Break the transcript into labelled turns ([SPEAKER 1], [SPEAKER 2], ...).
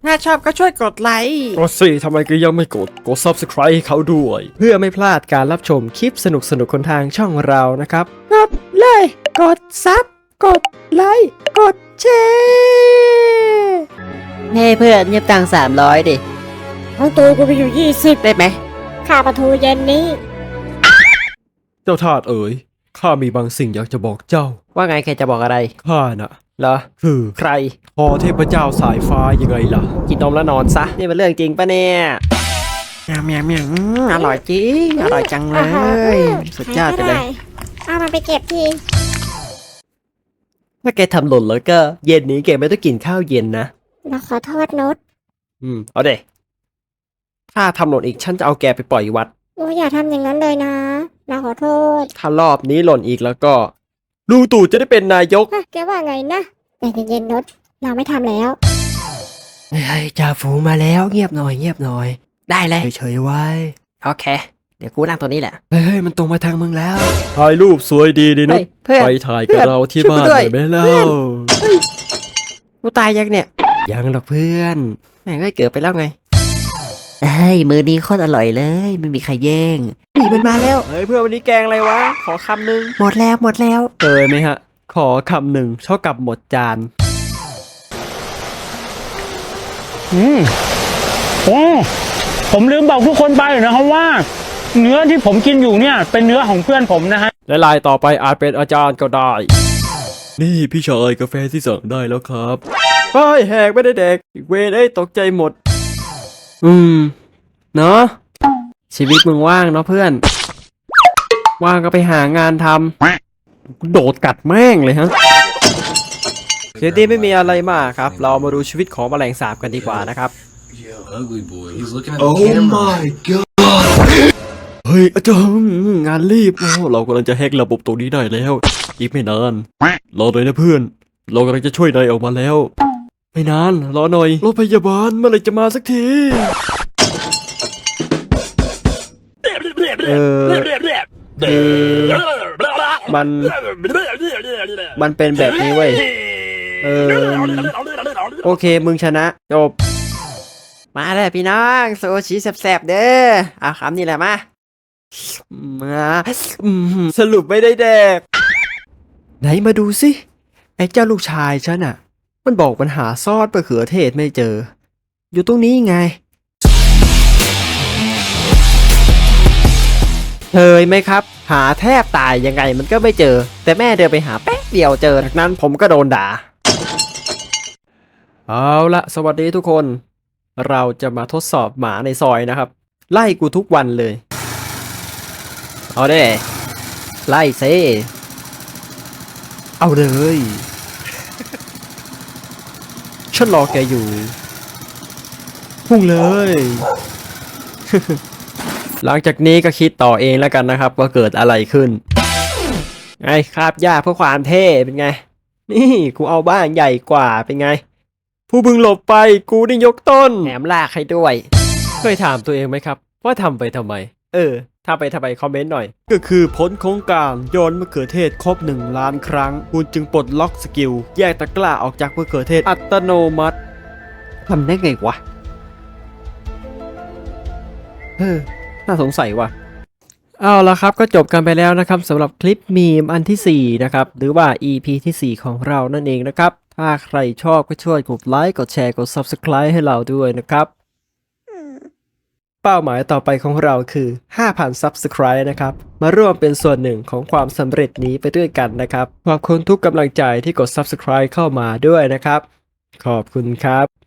[SPEAKER 1] ถ้าชอบก็ช่วยกดไลค์
[SPEAKER 2] กดสิทำไมก็ยังไม่กด subscribe ให้เขาด้วย เพื่อไม่พลาดการรับชมคลิปสนุกๆคนทางช่องเรานะครับกดเลยกดซับกดไลค์กดแชร์ให้เพื่อนเงียบตัง300ดิ
[SPEAKER 3] ทั้งตัวกูไปอยู่20
[SPEAKER 2] ได้ไหม
[SPEAKER 3] ค่าประตูเย็นนี้
[SPEAKER 2] เจ้าทาสเอ๋ยข้ามีบางสิ่งอยากจะบอกเจ้า
[SPEAKER 1] ว่าไงแกจะบอกอะไร
[SPEAKER 2] ข้าน่ะ
[SPEAKER 1] เหรอ
[SPEAKER 2] คือ
[SPEAKER 1] ใคร
[SPEAKER 2] พอเทพเจ้าสายฟ้ายังไงล่ะ
[SPEAKER 1] กินนมแล้วนอนซะ นี่เป็นเรื่องจริงปะเนี่ยเมียวเมียวอร่อยจริง อร่อยจังเลย สุดยอดไปเลย
[SPEAKER 3] เอามันไปเก็บที
[SPEAKER 2] ถ้าแกทำหล่นแล้วก็เย็นนี้แกไม่ต้องกินข้าวเย็นนะ
[SPEAKER 3] เราขอโทษนุช
[SPEAKER 2] เอาเด้ถ้าทำหล่นอีกฉันจะเอาแกไปปล่อยวัด
[SPEAKER 3] โอ้อย่าทำอย่างนั้นเลยนะเราขอโทษ
[SPEAKER 2] ถ้ารอบนี้หล่นอีกแล้วก็ลุงตู่จะได้เป็นนายก
[SPEAKER 3] ฮะแกว่าไงนะแต่เย็นๆนุชเราไม่ทำแล้ว
[SPEAKER 2] เฮ้ยจ่าฝูงมาแล้วเงียบหน่อยเงียบหน่อย
[SPEAKER 1] ได้เลย
[SPEAKER 2] เฉยๆไว้
[SPEAKER 1] โอเค เดี๋ยวกูนั่งตัวนี้แหละ
[SPEAKER 2] เฮ้ยมันตรงมาทางมึงแล้วถ่ายรูปสวยดีดินุ
[SPEAKER 1] เฮ้ยเพื่อน
[SPEAKER 2] ไปถ่ายกับเราที่บ้าน
[SPEAKER 1] ช่
[SPEAKER 2] ห
[SPEAKER 1] วย
[SPEAKER 2] น่
[SPEAKER 1] กู
[SPEAKER 2] อย
[SPEAKER 1] ด้วย
[SPEAKER 2] ไหมเล่า
[SPEAKER 1] กูตายยังเนี่ย
[SPEAKER 2] ยังหรอกเพื่อน
[SPEAKER 1] แม่งก็เกิดไปแล้วไงเฮ้ยมือนี้โคตรอร่อยเลย ไม่มีใครแย่งนี่มันมาแล้ว
[SPEAKER 2] เฮ้ยเพื่อนวันนี้แกงอะไรวะ ขอคำหนึ่ง
[SPEAKER 1] หมดแล้วหมดแล้ว
[SPEAKER 2] เคยไหมฮะ ขอคำหนึ่งเท่ากับหมดจาน
[SPEAKER 4] โอ้ผมลืมบอกทุกคนไปนะครับว่า เนื้อที่ผมกินอยู่เนี่ยเป็นเนื้อของเพื่อนผมนะฮะ
[SPEAKER 2] และลายต่อไปอาจเป็นอาจารย์ก็ได้ นี่พี่ชายกาแฟที่สั่งได้แล้วครับเฮ้ยแหกไม่ได้เด็กอีกเวนตกใจหมด เนาะชีวิตมึงว่างเนาะเพื่อน ว่างก็ไปหางานทำโดดกัดแม่งเลยฮะเดี๋ยวนี้ไม่มีอะไรมากครับ เรามาดูชีวิตของแมลงสาบกันดีกว่านะครับ
[SPEAKER 5] Ugly boy. He's looking at
[SPEAKER 6] Oh
[SPEAKER 5] the camera.
[SPEAKER 6] my god!
[SPEAKER 2] เฮ้ยอาจารย์งานรีบโอ้เรากำลังจะแฮกระบบตรงนี้ได้แล้ว อีกไม่นานรอหน่อยนะเพื่อน เรากำลังจะช่วยนายออกมาแล้ว ไม่นานรอหน่อยรถพยาบาลเมื่อไหรจะมาสักทีมันเป็นแบบนี้เว้ยโอเคมึงชนะจบ
[SPEAKER 1] มาเลยพี่น้องโซชิแสบๆเด้อเอาคำนี่แหละมา
[SPEAKER 2] สรุปไม่ได้แดก ไหนมาดูสิ ไอ้เจ้าลูกชายฉันอ่ะ มันบอกมันหาซอสมะเขือเทศไม่เจอ อยู่ตรงนี้ไงเคยไหมครับ หาแทบตายยังไงมันก็ไม่เจอ แต่แม่เดินไปหาแป๊บเดียวเจอจากนั้นผมก็โดนด่า เอาละสวัสดีทุกคน เราจะมาทดสอบหมาในซอยนะครับ ไล่กูทุกวันเลย เอาเด้ไล่เซเอาเลย ฉันรอแกอยู่ พุ่งเลย หลังจากนี้ก็คิดต่อเองแล้วกันนะครับว่าเกิดอะไรขึ้น ไงคาบหญ้าเพื่อความเท่เป็นไง นี่กูเอาบ้านใหญ่กว่าเป็นไง ผู้บึงหลบไปกูได้ยกต้น
[SPEAKER 1] แถมลากให้ด้วย
[SPEAKER 2] เคยถามตัวเองไหมครับ ว่าทำไปทำไม ทำไปทำไมคอมเมนต์หน่อย ก็คือผลของการโยนมะเขือเทศครบ1 ล้านครั้ง คุณจึงปลดล็อกสกิล แยกตะกร้าออกจากมะเขือเทศอัตโนมัติทำได้ไงวะน่าสงสัยว่ะ เอาละครับก็จบกันไปแล้วนะครับสำหรับคลิปมีมอันที่ 4 นะครับ หรือว่า EP ที่ 4 ของเรานั่นเองนะครับ ถ้าใครชอบก็ช่วยกดไลค์กดแชร์กด Subscribe ให้เราด้วยนะครับ เป้าหมายต่อไปของเราคือ 5,000 Subscribe นะครับ มาร่วมเป็นส่วนหนึ่งของความสำเร็จนี้ไปด้วยกันนะครับ ขอบคุณทุกกำลังใจที่กด Subscribe เข้ามาด้วยนะครับ ขอบคุณครับ